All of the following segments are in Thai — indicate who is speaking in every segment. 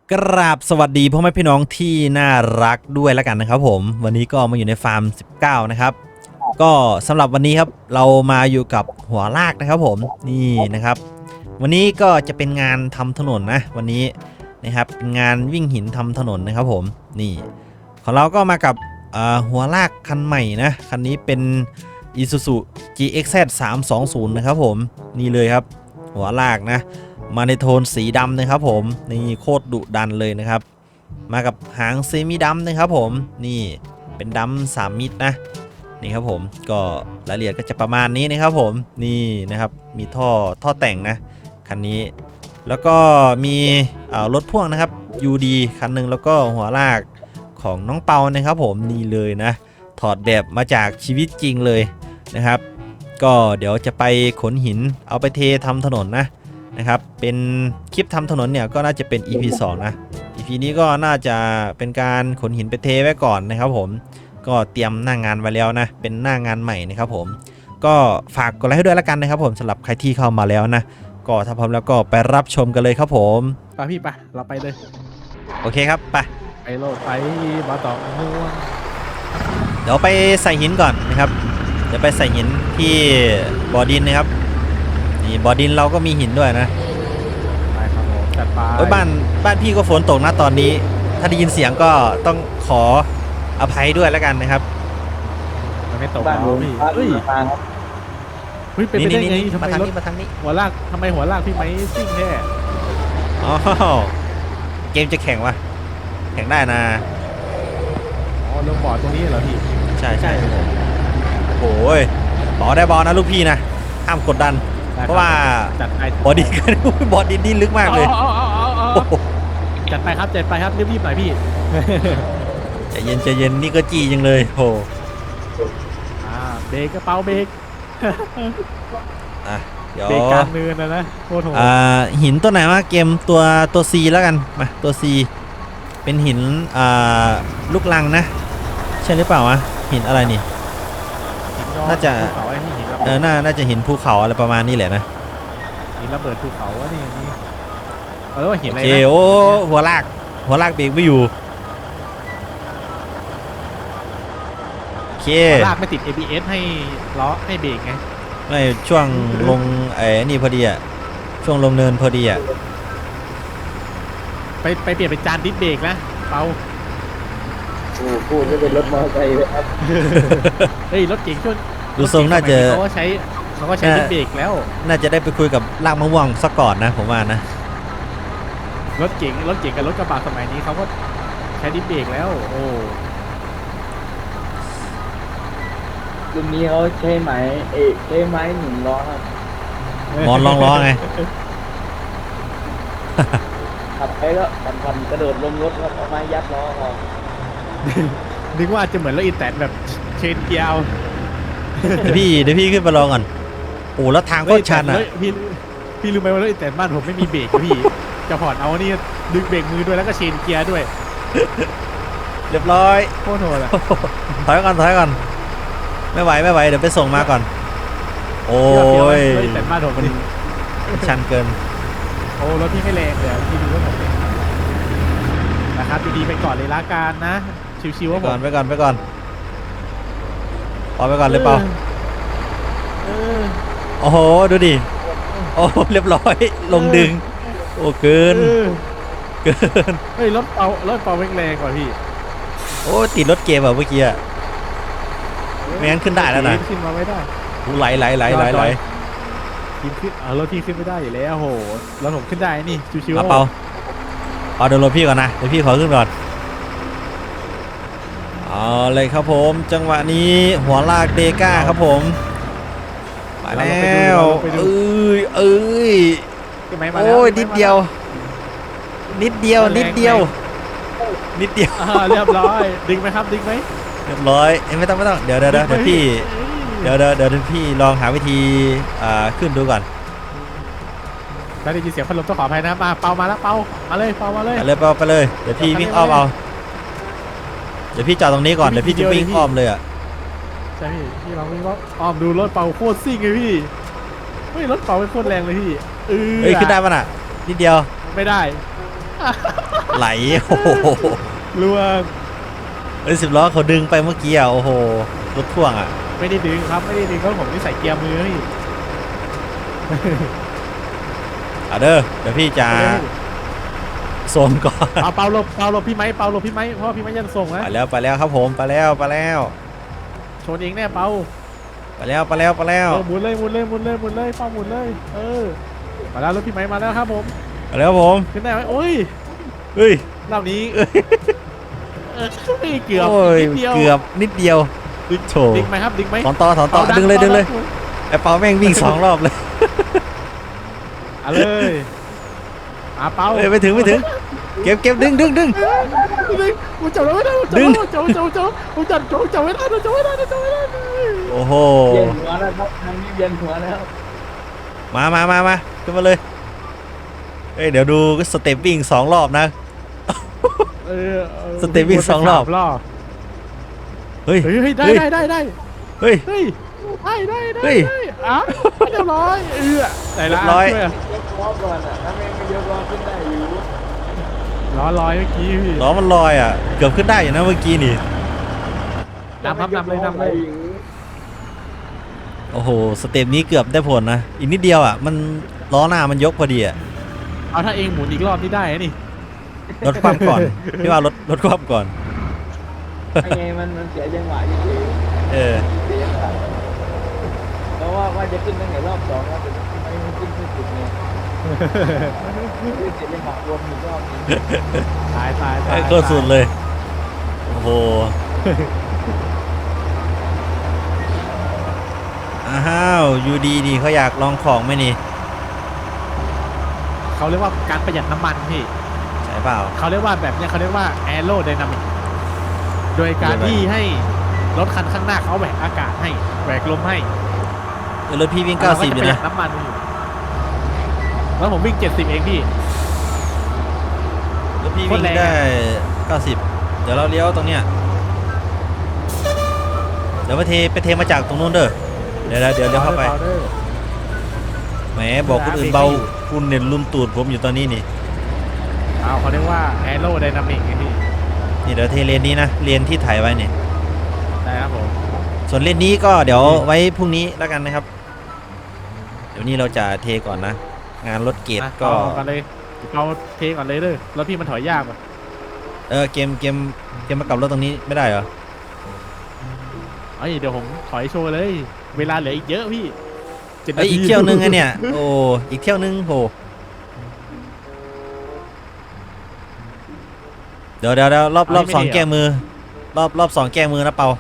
Speaker 1: กราบสวัสดีพ่อแม่พี่น้องที่น่ารักด้วยแล้วกันนะครับผมวันนี้ก็มาอยู่ในฟาร์ม19นะครับก็สำหรับวันนี้ครับเรามาอยู่กับหัวลากนะครับผมนี่นะครับวันนี้ก็จะเป็นงานทำถนนนะวันนี้นะครับเป็นงานวิ่งหินทำถนนนะครับผมนี่ของเราก็มากับหัวลากคันใหม่นะคันนี้เป็น Isuzu GXZ 320นะครับผมนี่เลยครับหัวลากนะมาในโทนสีดำนะครับผมนี่โคตรดุดันเลยนะครับมากับหางเซมิดำนะครับผมนี่เป็นดำ3มิตรนะนี่ครับผมก็รายละเอียดก็จะประมาณนี้นะครับผมนี่นะครับมีท่อแต่งนะคันนี้แล้วก็มีรถพ่วงนะครับ UD คันหนึ่งแล้วก็หัวลากของน้องเปานะครับผมนี่เลยนะถอดแบบมาจากชีวิตจริงเลยนะครับก็เดี๋ยวจะไปขนหินเอาไปเททำถนนนะครับเป็นคลิปทำถนนเนี่ยก็น่าจะเป็น EP 2นะ EP นี้ก็น่าจะเป็นการขนหินไปเทไว้ก่อนนะครับผมก็เตรียมหน้างานไว้แล้วนะเป็นหน้างานใหม่นะครับผมก็ฝากกดไลค์ให้ด้วยแล้วกันนะครับผมสำหรับใครที่เข้ามาแล้วนะก็ถ้าพร้อมแล้วก็ไปรับชมกันเลยครับผม
Speaker 2: ไปพี่ไปเราไปเลย
Speaker 1: โอเคครับไป
Speaker 2: โลดไปมาต่อม่วง
Speaker 1: เดี๋ยวไปใส่หินก่อนนะครับเดี๋ยวไปใส่หินที่บ่อดินนะครับนี่บ่อดินเราก็มีหินด้วยนะ
Speaker 2: ไปครับผมจัดไป
Speaker 1: โอ้ยบ้านพี่ก็ฝนตกนะตอนนี้ถ้าได้ยินเสียงก็ต้องขออภัยด้วยแล้วกันนะครับ
Speaker 2: มันไม่ตกแล้วพี่เฮ้ยเป็นไปได้ไงทำไมรถ
Speaker 1: มาทางนี้
Speaker 2: หัวลากทำไมหัวลากพี่ไม้ซิ่งแท้
Speaker 1: อ๋อเกมจะแข่งวะแข่งได้นะ
Speaker 2: อ๋อลงบ่อตรงนี้เหรอพี่
Speaker 1: ใช่โอ้ยต่อได้บอลนะลูกพี่นะห้ามกดดันเพราะว่าบอดี้กันบอดี้นี่ลึกมากเลย
Speaker 2: จัดไปครับรีบหน่อยพี่
Speaker 1: ใจเย็นนี่ก็จี้จังเลยโห
Speaker 2: เบรกกระเป๋าเบรก
Speaker 1: เดี๋ยว
Speaker 2: เบรกกลางเนินนะโคตรโหด
Speaker 1: หินตัวไหนวะเกมตัว C แล้วกันมาตัว C เป็นหินลูกลังนะใช่หรือเปล่าวะหินอะไรนี่น่าจะน่าจะหินภูเขาอะไรประมาณนี้แหละนะ
Speaker 2: หินระเบิดภูเขาว่านี่ว่าหินอะไร
Speaker 1: นะโอ้หัวลากเบรกไม่อยู่โอเค
Speaker 2: ลากไม่ติด ABS ให้ล้อให้เบรกไง
Speaker 1: ไม่ช่วงลงนี่พอดีอ่ะช่วงลงเนินพอดีอ่ะ
Speaker 2: ไปเปลี่ยนเป็นจานดิสเบรกนะเปา
Speaker 3: พูดจะเป็นรถมอเตอร์ไซค์เลยครับ
Speaker 2: เฮ้ยรถเก่งช่วง
Speaker 1: ดูทรงน่าจะ
Speaker 2: เขาก็ใช้ดิสเบรกแล้ว
Speaker 1: น่าจะได้ไปคุยกับลากมะม่วงสักก่อนนะผมว่านะ
Speaker 2: รถเก่งกับรถกระบะสมัยนี้เขาก็ใช้ดิสเบรกแล้วโอ้
Speaker 3: รุ่นนี้เขาใช้ไหมใช้ไม้หนุนล้อครับ
Speaker 1: มอนลองล้อไง
Speaker 3: ขับไปแล้วปั่นกระโดดลงรถครับเอาไม้ยัดล้อออก
Speaker 2: นึกว่าจะเหมือนรถอีแตนแบบเชนเกียร์
Speaker 1: เดี๋ยวพี่ขึ้นไปลองก่อนโอ้แล้วทางก็ชันอ่ะ
Speaker 2: พี่รู้ไหมว่ารถอีแตนบ้านผมไม่มีเบรกพี่จะผ่อนเอานี่ดึงเบรกมือด้วยแล้วก็เชนเกียร์ด้วย
Speaker 1: เรียบร้อย
Speaker 2: โคตรโหดอ่ะ
Speaker 1: ถอยก่อนไม่ไหวเดี๋ยวไปส่งมาก่อนโอ้ย
Speaker 2: แต่บ้านผม
Speaker 1: มันชันเกิน
Speaker 2: โอ้รถพี่ไม่แรงเลยพี่ดูว่าผมนะครับดีๆไปก่อนเลยละกันนะชิวๆว่าผม
Speaker 1: ไปก่อนไปก่อนเลยเปล่าโอ้โหดูดิโอ้เรียบร้อยลงดึงโอ้เกิน
Speaker 2: เฮ้ยรถเปาแรงกว่าพี่
Speaker 1: โอ้ติดรถเกมแบบเมื่อกี้อะไม่งั้นขึ้นได้แล้วนะ
Speaker 2: ขึ้นมาไม่ได้
Speaker 1: ไหล
Speaker 2: ทีมขึ้นรถพี่ขึ้นไม่ได้อยู่แล้วโหรถผมขึ้นได้นี่ชิว
Speaker 1: ๆเปาเดินรถพี่ก่อนนะเดี๋ยวพี่ขอขึ้นก่อนเอาเลยครับผมจังหวะนี้หัวลากเดก้าครับผมมาแล้วเอ้ยโอ้ยนิดเดียวเ
Speaker 2: รียบร้อยดึงไหมครับดึงไหม
Speaker 1: เรียบร้อยไม่ต้องเดี๋ยวพี่เดี๋ยวพี่ลองหาวิธีขึ้นดูก่อน
Speaker 2: ได้ยินเสียงพัดลมต้องขออภัยนะมาเปามาแล้วเปามาเลย
Speaker 1: ไปเลยเดี๋ยวพี่วิ่งอ้อมเอาเดี๋ยวพี่จอดตรงนี้ก่อนเดี๋ยวพี่จะวิ่งอ้อมเลยอ่ะ
Speaker 2: ใช่พี่เราวิ่งอ้อมดูรถเปาโคตรซิ่งเลยพี่เฮ้ยรถเปาเป็นโคตรแรงเลยพี่
Speaker 1: เฮ้ยขึ้นได้ป่ะน่ะนิดเดียว
Speaker 2: ไม่ได้
Speaker 1: ไหลโอ้โห
Speaker 2: ล่วง
Speaker 1: เอ้ย10 ล้อเขาดึงไปเมื่อกี้อ่ะโอ้โหรถพ่วงอ่ะ
Speaker 2: ไม่ได้ดึงครับไม่ได้ดึงเพราะผมนี่ใส่เกียร์มือพี่
Speaker 1: เด้อเดี๋ยวพี่จะโซนก่อน
Speaker 2: เอาเปาหลบพี่ไม้เพราะว่าพี่ไม้ยันส่งนะ
Speaker 1: ไปแล้วครับผมไปแล้ว
Speaker 2: ชนเองแน่เปา
Speaker 1: ไปแล้ว
Speaker 2: หมุนเลยเปาหมุนเลยมาแล้วรถพี่ไม้มาแล้วครับผม
Speaker 1: ไปแล้วผม
Speaker 2: ขึ้นได้ไหมโอ้ย
Speaker 1: เฮ้ย
Speaker 2: รอบนี้เกือบ
Speaker 1: โอ้ย
Speaker 2: นิดเดียว
Speaker 1: เกือบนิดเดียวโถ
Speaker 2: ดึงไหมครับดึงไหม
Speaker 1: ถอนต่อดึงเลยไอ้เปาแม่งวิ่ง2 รอบเลย
Speaker 2: เอาเลยเปา
Speaker 1: เอ้ยไม่ถึงเก็บดึง
Speaker 2: กูจับแล้วไม่ได้
Speaker 1: ดึง
Speaker 2: จับไม่ได้
Speaker 1: โอ้โห
Speaker 3: เวียนหัวแล้วครับทางนี้เวียนหัวแล้ว
Speaker 1: มาขึ้นมาเลยเอ้ยเดี๋ยวดูสเต็ปวิ่ง2 รอบนะ สเต็ปวิ่ง2 รอบเฮ้ย
Speaker 2: ได้
Speaker 1: เฮ้ย
Speaker 2: ได้
Speaker 1: เฮ้ย
Speaker 2: เฮ้ย
Speaker 1: เฮ้ย
Speaker 2: เรียบร้อยไหนละ
Speaker 1: เรียบร้อย
Speaker 3: ยกล้อก่อนอ่ะถ้าไม่ยกล้อขึ้นได้อยู่
Speaker 2: ล้อลอยเมื่อกี้พี่
Speaker 1: ล้อมันลอยอ่ะเกือบขึ้นได้อยู่นะเมื่อกี้นี่
Speaker 2: นำเลย
Speaker 1: โอ้โหสเต็ปนี้เกือบได้ผลนะอีกนิดเดียวอ่ะมันล้อหน้ามันยกพอดีอ่ะ
Speaker 2: เอาถ้าเองหมุนอีกรอบนี่ได้นี่
Speaker 1: รถคว่ำก่อนพี่ว่ารถคว่ำก่อน
Speaker 3: ไงมันเสียจังหวะอยู่ดี
Speaker 1: เออ
Speaker 3: เสียจังหวะเพราะว่าจะขึ้นตั้งแต่รอบ2แล้วแต่ไม่ขึ้นสุดเนี่ยเสียจังหวะรวมอีกรอบนึง
Speaker 2: ตาย
Speaker 1: ไอ้โคตรสุดเลยโอ้โหอ้าวยูดีดีเขาอยากลองของไหมนี่
Speaker 2: เขาเรียกว่าการประหยัดน้ำมันพี่
Speaker 1: ใช่เปล่า
Speaker 2: เขาเรียกว่าแบบเนี้ยเขาเรียกว่าแอโรไดนามิกโดยการที่ให้รถคันข้างหน้าเขาแหวกอากาศให้แหวกลมให้
Speaker 1: รถพี่วิ่ง90
Speaker 2: เรา
Speaker 1: อ
Speaker 2: ก็จะ
Speaker 1: ยู่
Speaker 2: ประหยั
Speaker 1: นะ
Speaker 2: ดน้ำมันอยู่แล้วผมวิ่ง70เองพี่
Speaker 1: รถพี่
Speaker 2: โค
Speaker 1: วิ่
Speaker 2: ตรง แรง
Speaker 1: ได้
Speaker 2: อะ
Speaker 1: 90เดี๋ยวเราเลี้ยวตรงเนี้ยเดี๋ยวไปเทมาจากตรงนู้นเด้อเดี๋ยวเลี้ยวเข้าไปแหมบอกคนอื่นเบาคุณเนี่ยลุมตูดผมอยู่ตอนนี้นี่
Speaker 2: เอาเขาเรียกว่าแอโรไดนามิกไงพี่
Speaker 1: นี่เดี๋ยวเทเลนนี้นะเลนที่ถ่ายไว้เนี่ย
Speaker 2: ได้ครับผม
Speaker 1: ส่วนเลนนี้ก็เดี๋ยวไว้พรุ่งนี้แล้วกันนะครับ เดี๋ยวนี้เราจะเทก่อนนะ งานรถเกตก็
Speaker 2: เอากันเลยเอาเทก่อนเลยเด้อแล้วพี่มันถอยยากอ่ะ
Speaker 1: เกมมากับรถตรงนี้ไม่ได้เหรอ
Speaker 2: เอ้ยเดี๋ยวผมถอยโชว์เลย เวลาเหลืออีกเยอะพี่7
Speaker 1: เอ้ยอีกเที่ยวนึงไงเนี่ยโอ้อีกเที่ยวนึงโหเดี๋ยวรอบ2แก้มือรอบ2แก้มือนะเปา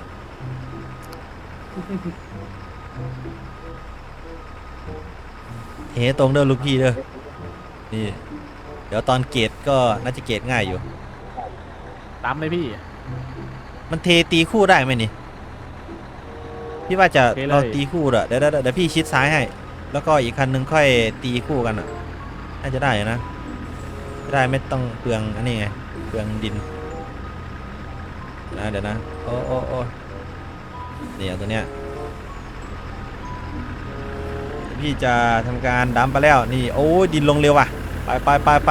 Speaker 1: เทตรงเด้อลูกพี่เด้อนี่เดี๋ยวตอนเกตก็น่าจะเกตง่ายอยู่
Speaker 2: ตามเลยพี่
Speaker 1: มันเทตีคู่ได้ไหมนี่พี่ว่าจะ
Speaker 2: เทเลย
Speaker 1: เราตีคู่เดี๋ยวพี่ชิดซ้ายให้ แล้วก็อีกคันนึงค่อยตีคู่กันอ่ะน่าจะได้นะได้ไม่ต้องเปลืองอันนี้ไงเปลืองดินเดี๋ยวนะโอ้เนี่ยตัวเนี้ยพี่จะทำการดัมไปแล้วนี่โอ้ยดินลงเร็วว่ะไป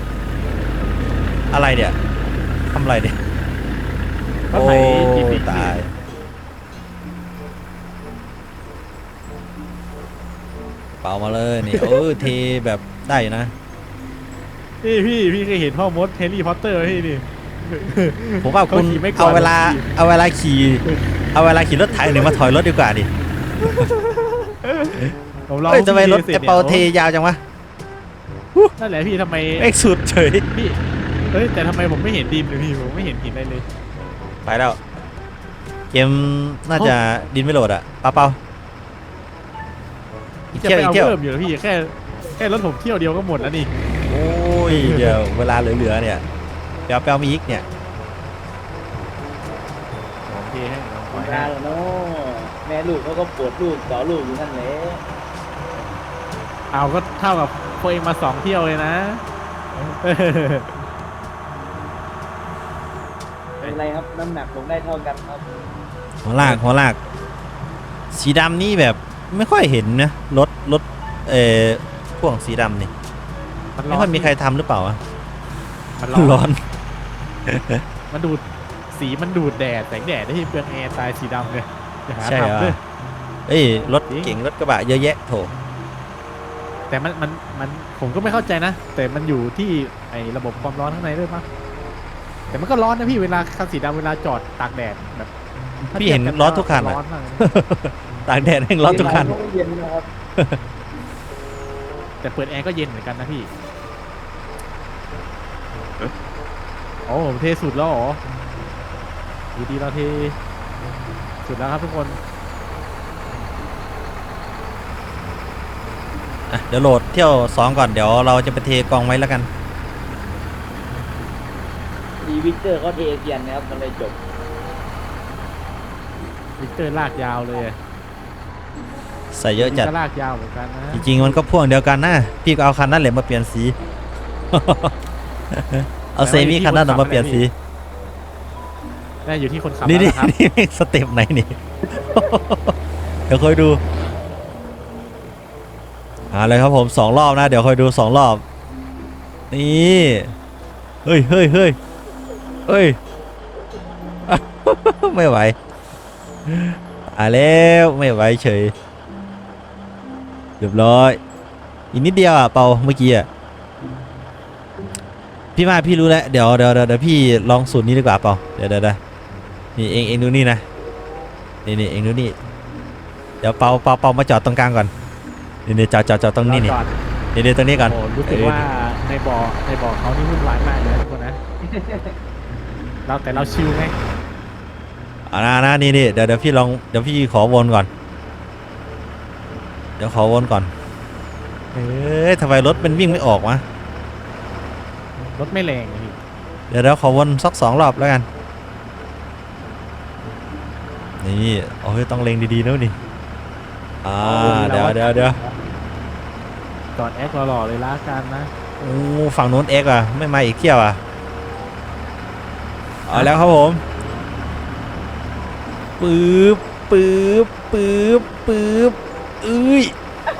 Speaker 1: อะไรเดี๋ยทำอะไรเดี๋ย
Speaker 2: ก็ไถ GP
Speaker 1: ตายเป่ามาเลยนี่ เทแบบได้อยู่นะ
Speaker 2: นี่พี่เคยเห็นพ่อมดแฮร์รี่พอตเตอร์ไหมพี่นี่
Speaker 1: ผมว่าคุณ
Speaker 2: เขาขี่ไม่ก่อน
Speaker 1: เอาเวลาขี่รถไถหรือมาถอยรถดีกว่าดิ
Speaker 2: ผมลอง
Speaker 1: เฮ้ยทำไมรถ
Speaker 2: สจ
Speaker 1: ไอ้เปาเทยาวจังวะ
Speaker 2: นั่นแหละพี่ทำไม
Speaker 1: เอ็กสุดเฉย
Speaker 2: พี่เฮ้ยแต่ทำไมผมไม่เห็นดินเลยพี่ผมไม่เห็นหินอะไรเลย
Speaker 1: ไปแล้วเกมน่าจะดินไม่โหลดอ่ะเปาอีก
Speaker 2: จะ
Speaker 1: เที่ยว
Speaker 2: ไป
Speaker 1: อีก
Speaker 2: เอา
Speaker 1: เที่ยว
Speaker 2: เพิ่มอยู่แล้วพี่แค่รถผมเที่ยวเดียวก็หมดแล้วนี่
Speaker 1: โอ้ยเดี๋ยวเวลาเหลือๆเนี่ยเปลมีอีกเนี่ย
Speaker 2: โอเคให้ผมปล่อย
Speaker 3: ลา
Speaker 2: ให้
Speaker 3: แล้วเนาะแม่ลูกเขาก็ปวดลูกต่อลูกอยู่นั่นแหละ
Speaker 2: เอาก็เท่ากับพวกเองมา2 เที่ยวเลยนะ
Speaker 3: เป็นไรครับน้ำหนักผมได้เท่ากันครับ
Speaker 1: หัวลากสีดำนี่แบบไม่ค่อยเห็นนะรถพ่วงสีดำนี่ไม่ค่อยมีใครทำหรือเปล่าวะ
Speaker 2: มัน
Speaker 1: ร้อน
Speaker 2: มันดูดสีมันดูดแดดแสงแดดได้ที่เปลืองแอร์ตายสีดำเลยอย่าหา
Speaker 1: ใช่เหรอ
Speaker 2: ทำด้วย
Speaker 1: เอ้ยรถ
Speaker 2: จริง
Speaker 1: เก่งรถกระบะเยอะแยะโถ
Speaker 2: แต่มันผมก็ไม่เข้าใจนะ แต่มันอยู่ที่ไอ้ระบบความร้อนข้างในด้วยมั้งแต่มันก็ร้อนนะพี่เวลาคันสีดำเวลาจอดตากแดดแบบถ้า
Speaker 1: พี่เห็น
Speaker 2: ทียบ
Speaker 1: ร้อนทุกคัน
Speaker 2: ร้
Speaker 1: อะ
Speaker 2: อนมากเลย
Speaker 1: ตากแดดแห่งร้อนทุกคัน
Speaker 3: ก็ไม่เย็นนะครับ
Speaker 2: แต่เปิดแอร์ก็เย็นเหมือนกันนะพี่โอ้ผมเทสุดแล้วเหรอดูดีเราเทสุดแล้วครับทุกคน
Speaker 1: อ่ะเดี๋ยวโหลดเที่ยว2ก่อนเดี๋ยวเราจะไปเทกองไว้แล้วกัน
Speaker 3: ดีวิกเตอร์เขาเทเกียนนะครับมันเลยจบ
Speaker 2: วิกเตอร์ลากยาวเลย
Speaker 1: ใส่เยอะจัด
Speaker 2: ก็ลากยาวเหมือนกันนะ
Speaker 1: จริงๆมันก็พ่วงเดียวกันนะพี่ก็เอาคันนั้นแหละมาเปลี่ยนสี เอาเซมิคันนั้นออกมาเปลี่ยนสี
Speaker 2: ได้อยู่ที่คนขับ
Speaker 1: นี่
Speaker 2: แล้ว
Speaker 1: นี่
Speaker 2: นะครับ
Speaker 1: นี่สเต็ปไหนนี่ เดี๋ยวคอยดูเลยครับผม2รอบนะเดี๋ยวคอยดู2รอบนี่เฮ้ยเฮ้ยเฮ้ยเฮ้ย ไม่ไหวแล้วไม่ไหวเฉยเรียบร้อยอีกนิดเดียวอ่ะเปาเมื่อกี้อ่ะพี่รู้แล้วเดี๋ยวพี่ลองสูตรนี้ดีกว่าเปาเดี๋ยวนี่เองดูนี่นะนี่เองดูนี่เดี๋ยวเปามาจอดตรงกลางก่อนนี่จอดตรงนี้นี่
Speaker 2: จอด
Speaker 1: นี่ตรงนี้ก่อน
Speaker 2: โอ้รู้สึกว่าในบ่อเขานี่วุ่นวายมากเลยนะทุกคนนะแต่เราชิลไง
Speaker 1: นะนี่เดี๋ยวพี่ขอวนก่อนเดี๋ยวขอวนก่อนทำไมรถมันวิ่งไม่ออกวะ
Speaker 2: รถไม่แรงอะพี่
Speaker 1: เดี๋ยวขอวนสัก2 รอบแล้วกันนี่โอ้ยต้องเล็งดีๆนะนี่เดี๋ยว
Speaker 2: จอดแอคหล่อๆเลยละกันนะ
Speaker 1: โอ้ฝั่งโน้นเอ็กอ่ะไม่มาอีกเที่ยวอ่ะเอาแล้วครับผมปื๊บเอ้ย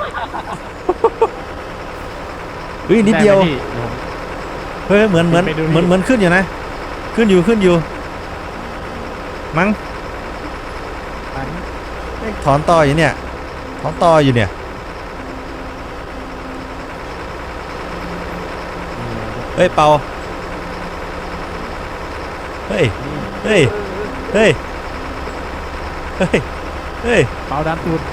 Speaker 1: เฮ้ยนิดเดียว
Speaker 2: ไไหมพี่
Speaker 1: เฮ้ยเหมือนขึ้นอยู่นะขึ้นอยู่มั้ง
Speaker 2: อัน
Speaker 1: ถอนต่ออยู่เนี่ยถอนต่ออยู่เนี่ยเฮ้ยเปาเฮ้ย
Speaker 2: เปาดันตูด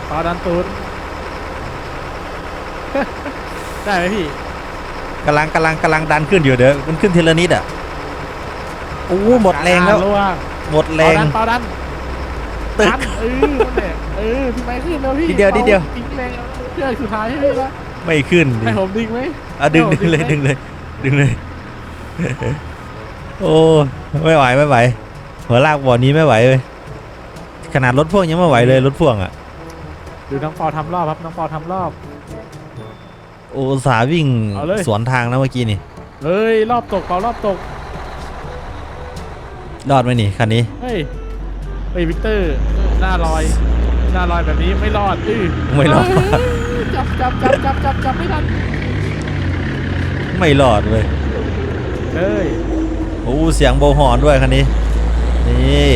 Speaker 2: ได้ไหมพี่
Speaker 1: กำลังดันขึ้นอยู่เดี๋ยวมันขึ้นทีละนิดอ่ะโอ้หมดแรงแล้ว
Speaker 2: ล่วง
Speaker 1: หมดแรง
Speaker 2: เปาดัน
Speaker 1: ตึก
Speaker 2: นั่นแหละพี่ไม้ขึ้นแล้วพี่
Speaker 1: นิดเดียว
Speaker 2: ทิ้งแรงเชือกสุดท้ายให้พี่ละ
Speaker 1: ไม่ขึ้นดิ
Speaker 2: ให้ผมดึงไหม
Speaker 1: ดึงเลย โอ้ไม่ไหวหัวลากบ่อนี้ไม่ไหวเลยขนาดรถพ่วงยังไม่ไหวเลยรถพ่วงอ่ะ
Speaker 2: ดูน้องปอทำรอบครับน้องปอทำรอบ
Speaker 1: โอ้อุตสาห์วิ่ง
Speaker 2: เอาเลย
Speaker 1: สวนทางนะเมื่อกี้นี่
Speaker 2: เฮ้ยรอบตกเปารอบตก
Speaker 1: รอดไหมนี่คันนี้
Speaker 2: เฮ้ยวิกเตอร์หน้าลอยแบบนี้ไม่รอด
Speaker 1: ไม่รอด
Speaker 2: จับไม่ทัน
Speaker 1: ไม่รอดเลย
Speaker 2: เฮ้ย
Speaker 1: โอ้เสียงโบว์ฮอร์นด้วยคันนี้นี่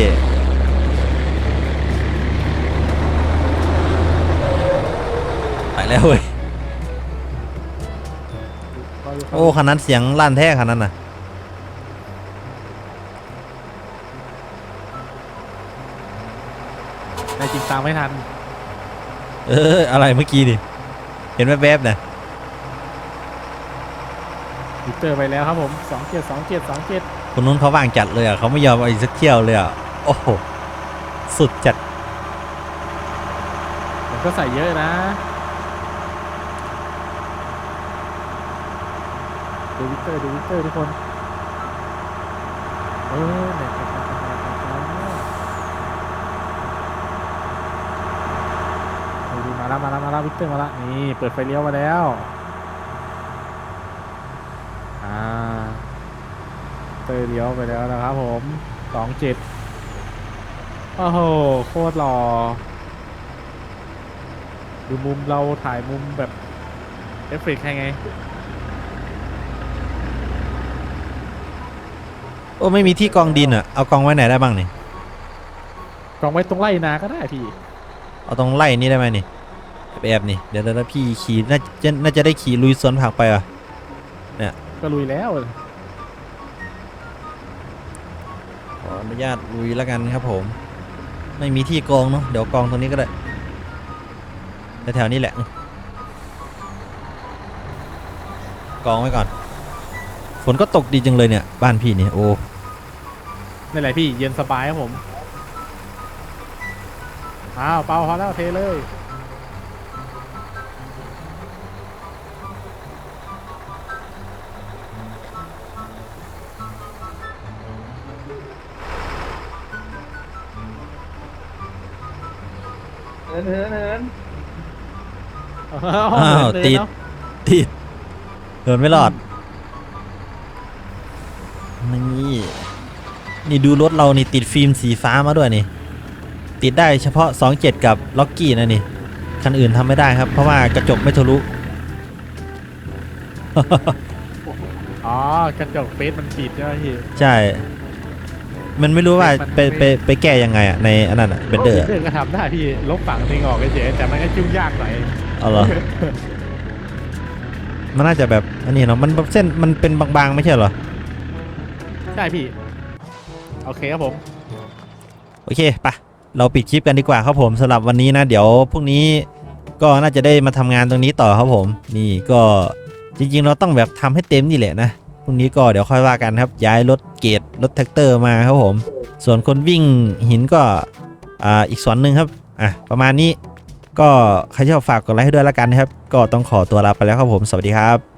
Speaker 1: ไปแล้วเว้ยโอ้คันนั้นเสียงลั่นแท้คันนั้นน่ะ
Speaker 2: แต่จริงตามไม่ทัน
Speaker 1: อะไรเมื่อกี้นี่เห็นแวบๆนะ
Speaker 2: วิกเตอร์ไปแล้วครับผม27
Speaker 1: คนนู้นเขาว่างจัดเลยอ่ะเขาไม่ยอมเอาอีกสักเที่ยวเลยอ่ะโอ้โหสุดจัด
Speaker 2: ผมก็ใส่เยอะนะดูวิกเตอร์ทุกคนเนี่ยดูมาแล้ววิกเตอร์มาแล้วนี่เปิดไฟเลี้ยวมาแล้วเตอร์เลี้ยวไปแล้วนะครับผม27โอ้โหโคตรหล่อดูมุมเราถ่ายมุมแบบเอฟเฟกต์ไง
Speaker 1: โอ้ไม่มีที่กองดินอ่ะเอากองไว้ไหนได้บ้างนี่
Speaker 2: กองไว้ตรงไร่นาก็ได้พี่
Speaker 1: เอาตรงไล่นี่ได้ไหมนี่แอบนี่เดี๋ยวพี่ขี่น่าจะได้ขี่ลุยสวนผักไปอ่ะ
Speaker 2: ก็ลุยแล้ว
Speaker 1: ขออนุญาตลุยแล้วกันครับผมไม่มีที่กองเนาะเดี๋ยวกองตรงนี้ก็ได้แถวๆนี้แหละกองไว้ก่อนฝนก็ตกดีจังเลยเนี่ยบ้านพี่นี่โอ้
Speaker 2: นี่แหละพี่เย็นสบายครับผมอ้าวเปล่าพอแล้วเทเลย
Speaker 3: เหิน
Speaker 1: อ้าวติดเดินไม่รอดนี่ดูรถเรานี่ติดฟิล์มสีฟ้ามาด้วยนี่ติดได้เฉพาะ27กับล็อกกี้นะนี่คันอื่นทำไม่ได้ครับเพราะว่ากระจกไม่ทะลุ
Speaker 2: อ๋อกระจกเฟซมันปิดใช่ไหมพี่
Speaker 1: ใช่ มันไม่รู้ว่าไปแก้ยังไงอ่ะในอันนั้นอ่ะเบนเดอร์
Speaker 2: เรื่องก็ทำได้พี่ลบฝั่งทิ้งออกเฉยๆแต่มันก็ยุ่งยากหน่อย
Speaker 1: เอาเหรอ มันน่าจะแบบอันนี้เนาะมันเส้นมันเป็นบางๆไม่ใช่เหรอ
Speaker 2: ใช่พี่โอเคครับผม
Speaker 1: โอเคปะเราปิดคลิปกันดีกว่าครับผมสำหรับวันนี้นะเดี๋ยวพรุ่งนี้ก็น่าจะได้มาทำงานตรงนี้ต่อครับผมนี่ก็จริงๆเราต้องแบบทำให้เต็มนี่แหละนะพรุ่งนี้ก็เดี๋ยวค่อยว่ากันครับย้ายรถเกรดรถแท็กเตอร์มาครับผมส่วนคนวิ่งหินก็อีกส่วนหนึ่งครับประมาณนี้ก็ใครชอบฝากกดไลค์ให้ด้วยแล้วกันนะครับก็ต้องขอตัวลาไปแล้วครับผมสวัสดีครับ